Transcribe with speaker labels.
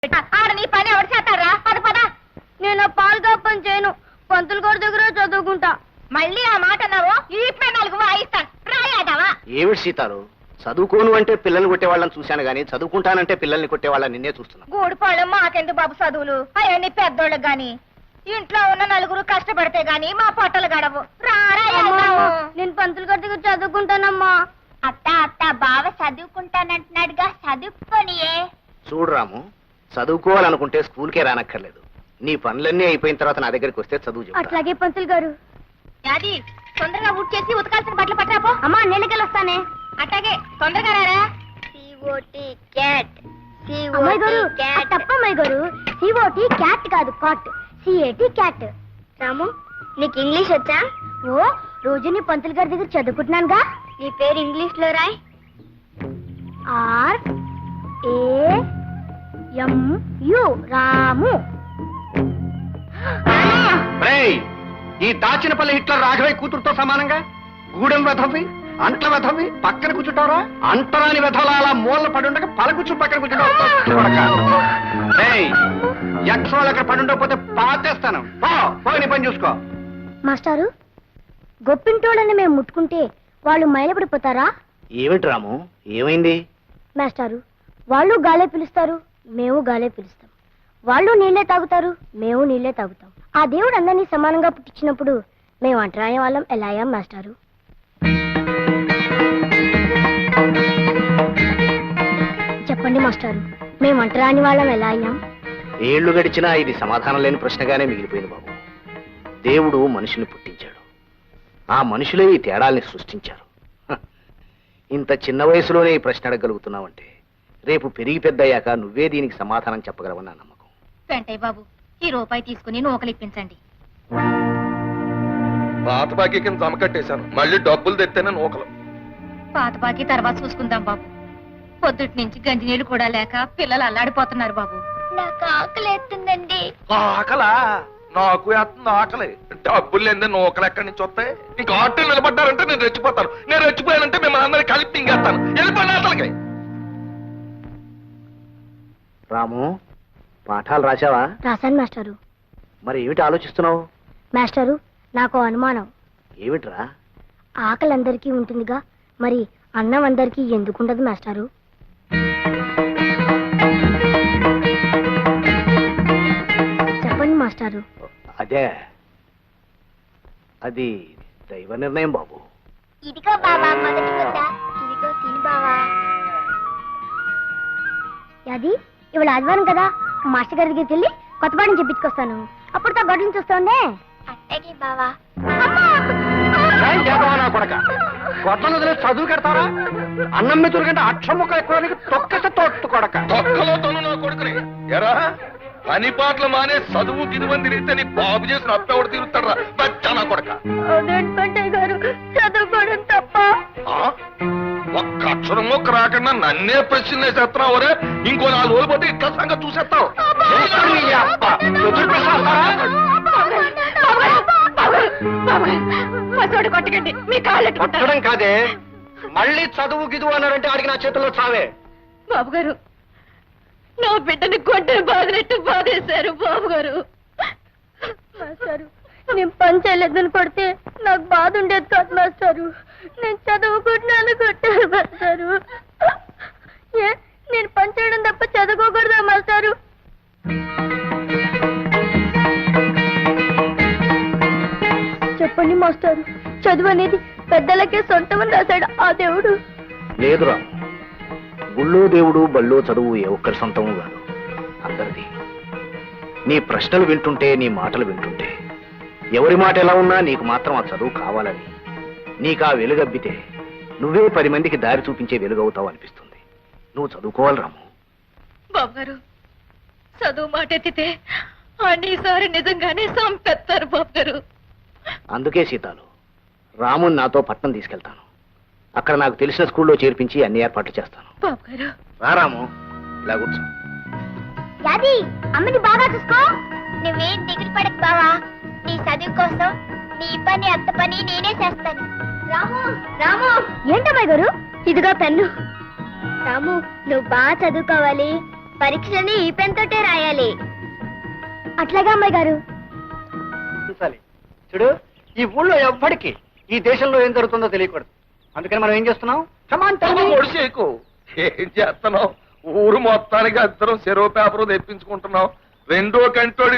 Speaker 1: ఆడ నీ పని ఎవరు చేస్తారా? పద పద.
Speaker 2: నేను పాలు కప్పని చేయను, పంతులు గారి దగ్గర చదువుకుంటా.
Speaker 1: మళ్ళీ ఆ మాట అన్నావు, ఈ 4 వాయిస్తాను రాయాదావా?
Speaker 3: ఏమిటి సీతాలు, చదువుకోను అంటే పిల్లల్ని కొట్టేవాళ్ళని చూశాను గానీ చదువుకుంటానంటే పిల్లల్ని కొట్టేవాళ్ళని నిన్నే చూస్తున్నా.
Speaker 1: గూడిపాళ్ళం మాకెందుకు బాబు చదువులు, అవన్నీ పెద్దోళ్ళకి గాని. ఇంట్లో ఉన్న 4 కష్టపడితే గాని మా పొట్టలు గడవు.
Speaker 2: నేను పంతులు గారి దగ్గర చదువుకుంటానమ్మా.
Speaker 1: అత్త అత్త బావ చదువుకుంటానంటున్నాడుగా, చదువుకోనియే.
Speaker 3: చూడు రాము, చదువుకోవాలనుకుంటే స్కూల్కే రానక్కర్లేదు. నీ పనులన్నీ అయిపోయిన తర్వాత నా దగ్గరికి వస్తే చదువు చెప్తా.
Speaker 2: అట్లాగే పంతులు గారు.
Speaker 1: అది తొందరగా ఊట్ చేసి ఉతకాల్సిన బట్టలు పట్టరాపో.
Speaker 2: అమ్మా నేలకెళ్ళి వస్తానే.
Speaker 1: అట్లాగే తొందరగా రారా.
Speaker 2: అమ్మాయి గారు తప్పమ్మాయి గారు, సిఓటి క్యాట్ కాదు కాట్, సిఏటి క్యాట్. రాము నీకు ఇంగ్లీష్ వచ్చా? ఓ రోజు నీ పంతులు గారి దగ్గర చదువుకుంటున్నానుగా. నీ పేరు ఇంగ్లీష్ లో రాయ్. RAMU రాము.
Speaker 3: ఈ దాచినపల్లి హిట్లర్ రాఘవయ్య కూతురుతో సమానంగా గూడెం వెధవి, అంట్ల వెధవి పక్కన కూర్చుంటారా? అంటరాని వెధవలా అలా మూలన పడుండగా పలకూర్చు పక్కన కూర్చుంటావు. యక్షోళ్ళు అక్కడ పడుండకపోతే పాతేస్తాను. నీ పని చూసుకో.
Speaker 2: మాస్టారు, గొప్పింటోళ్ళని మేము ముట్టుకుంటే వాళ్ళు మైలపడిపోతారా?
Speaker 3: ఏమిటి రాము, ఏమైంది?
Speaker 2: మాస్టారు, వాళ్ళు గాలే పిలుస్తారు, మేము గాలే పిలుస్తాం. వాళ్ళు నీళ్లే తాగుతారు, మేము నీళ్లే తాగుతాం. ఆ దేవుడు అందరినీ సమానంగా పుట్టించినప్పుడు మేము అంటరాని వాళ్ళం ఎలా అయ్యాం మాస్టారు? చెప్పండి మాస్టారు, మేము అంటరాని వాళ్ళం ఎలా అయ్యాం?
Speaker 3: ఏళ్లు గడిచినా ఇది సమాధానం లేని ప్రశ్నగానే మిగిలిపోయింది బాబు. దేవుడు మనుషుల్ని పుట్టించాడు, ఆ మనుషులే ఈ తేడాల్ని సృష్టించారు. ఇంత చిన్న వయసులోనే ఈ ప్రశ్న అడగలుగుతున్నావంటే రేపు పెరిగి పెద్దయ్యాక నువ్వే దీనికి సమాధానం చెప్పగలవని నా నమ్మకం.
Speaker 1: వెంటయ్య బాబు, ఈ రూపాయి తీసుకుని నూకలు ఇప్పించండి.
Speaker 4: పాత బాకీ కింద జమ కట్టేశాను, మళ్ళీ డబ్బులు తెత్తేనే నూకలు.
Speaker 1: పాత బాకీ తర్వాత చూసుకుందాం బాబు. పొద్దుటి నుంచి గంజి నీళ్లు కూడా లేక పిల్లలు అల్లాడిపోతున్నారు బాబు.
Speaker 2: నాకు ఆకలి ఎత్తుందండి.
Speaker 4: ఆకలా? నాకు ఎత్తుంది ఆకలి. డబ్బులు లేదే నూకలు ఎక్కడి నుంచి వస్తాయి? ఇంకా ఆటో నిలబడ్డారంటే నేను రెచ్చిపోతాను. నేను రెచ్చిపోయానంటే మిమ్మల్ని అందరినీ కలిపి తింగేస్తాను. వెళ్ళిపోయిన అసలుకి.
Speaker 3: రాము, పాఠాలు రాశావా?
Speaker 2: రాశాను మాస్టారు.
Speaker 3: మరి ఏమిటి ఆలోచిస్తున్నావు?
Speaker 2: మాస్టారు, నాకు అనుమానం.
Speaker 3: ఏమిట్రా?
Speaker 2: ఆకలి అందరికీ ఉంటుందిగా, మరి అన్నం అందరికీ ఎందుకుండదు మాస్టారు? చెప్పండి మాస్టారు.
Speaker 3: అదే, అది దైవ నిర్ణయం బాబు.
Speaker 2: ఇదిగో బావా మొదటి ముద్ద, ఇదిగో తిని బావా. అది ఇవాళ ఆదివారం కదా, మాస్టర్ గారి దగ్గరికి వెళ్ళి కొత్త పాఠం చెప్పించుకొస్తాను. అప్పుడుతో గొడ్డలు చూస్తుండే. అట్టకి బావా.
Speaker 3: కొట్టలు వదిలే చదువు కడతారా? అన్నం మెతురు కంటే అక్షం ముక్క ఎక్కువ తొక్కస తోట్టు కొడక.
Speaker 4: తొక్కలో తను నా కొడుకుని ఎరా పని పాటలు మానే చదువు గిదువని తిరిగితే నీ బాబు చేసిన అప్పెవడు తిరుగుతాడా? బచ్చా నా కొడక.
Speaker 2: గారు చదువుకోవడం తప్ప.
Speaker 4: ఒక్క అక్షరం మొక్క రాకుండా నన్నే ప్రశ్న వేసేస్తున్నావు. రే ఇంకో 4 రోజులు పోతే ఇట్లా సంగతి చూసేస్తావు.
Speaker 1: కొట్టకండి, మీ కాళ్ళు
Speaker 3: కొట్టడం కాదే, మళ్ళీ చదువు గిదువు అన్నారంటే ఆడికి నా చేతుల్లో చావే.
Speaker 1: బాబు గారు, నా బిడ్డని కొట్టని బాధినట్టు బాధేశారు బాబు గారు.
Speaker 2: మాస్టారు, నేను పని చేయలేదని కొడితే నాకు బాధ ఉండేది కాదు మాస్టారు. నేను చదువుకుంటున్నాను కొట్టారు మాస్టారు. నేను పని చేయడం తప్ప చదువుకోకూడదా మాస్టారు? చెప్పండి మాస్టారు, చదువు అనేది పెద్దలకే సొంతమని రాశాడు ఆ దేవుడు.
Speaker 3: లేదురా, గుళ్ళో దేవుడు బళ్ళో చదువు ఏ ఒక్కరి సొంతము కాదు, అందరిది. నీ ప్రశ్నలు వింటుంటే, నీ మాటలు వింటుంటే ఎవరి మాట ఎలా ఉన్నా నీకు మాత్రం ఆ చదువు కావాలని, నీకు ఆ వెలుగబ్బితే నువ్వే 10 మందికి దారి చూపించే వెలుగవుతావు అనిపిస్తుంది. నువ్వు చదువుకోవాలి రాము.
Speaker 1: బాబు గారు, చదువు మాట ఎత్తితే అన్నిసారి నిజంగానే సంపెత్తారు బాబు గారు.
Speaker 3: అందుకే సీతాలు, రాముని నాతో పట్నం తీసుకెళ్తాను. అక్కడ నాకు తెలిసిన స్కూల్లో చేర్పించి అన్ని ఏర్పాట్లు చేస్తాను.
Speaker 1: బాబు గారు,
Speaker 3: రా రాము, ఇలా కూర్చో.
Speaker 2: యాది అమ్మని బాగా చూసుకో. నువ్వేం దిగులు పడకు బావా, నీ చదువు కోసం నీ పని అంత పని నేనే చేస్తాను. రాము రాము. ఏంటమ్మాయి గారు, ఇదిగో పెన్ను. రాము, నువ్వు బాగా చదువుకోవాలి, పరీక్షలని ఈ పెన్ తోటే రాయాలి. అట్లాగా అమ్మాయి గారు.
Speaker 5: చూడు, ఈ ఊళ్ళో ఎవ్వడికి ఈ దేశంలో ఏం జరుగుతుందో తెలియకూడదు. అందుకని మనం ఏం చేస్తున్నాం?
Speaker 4: ఒడిసేకు ఏం చేస్తున్నావు? ఊరు మొత్తానికి అందరం చెరువు పేపర్ తెప్పించుకుంటున్నాం. రెండో కంటోడి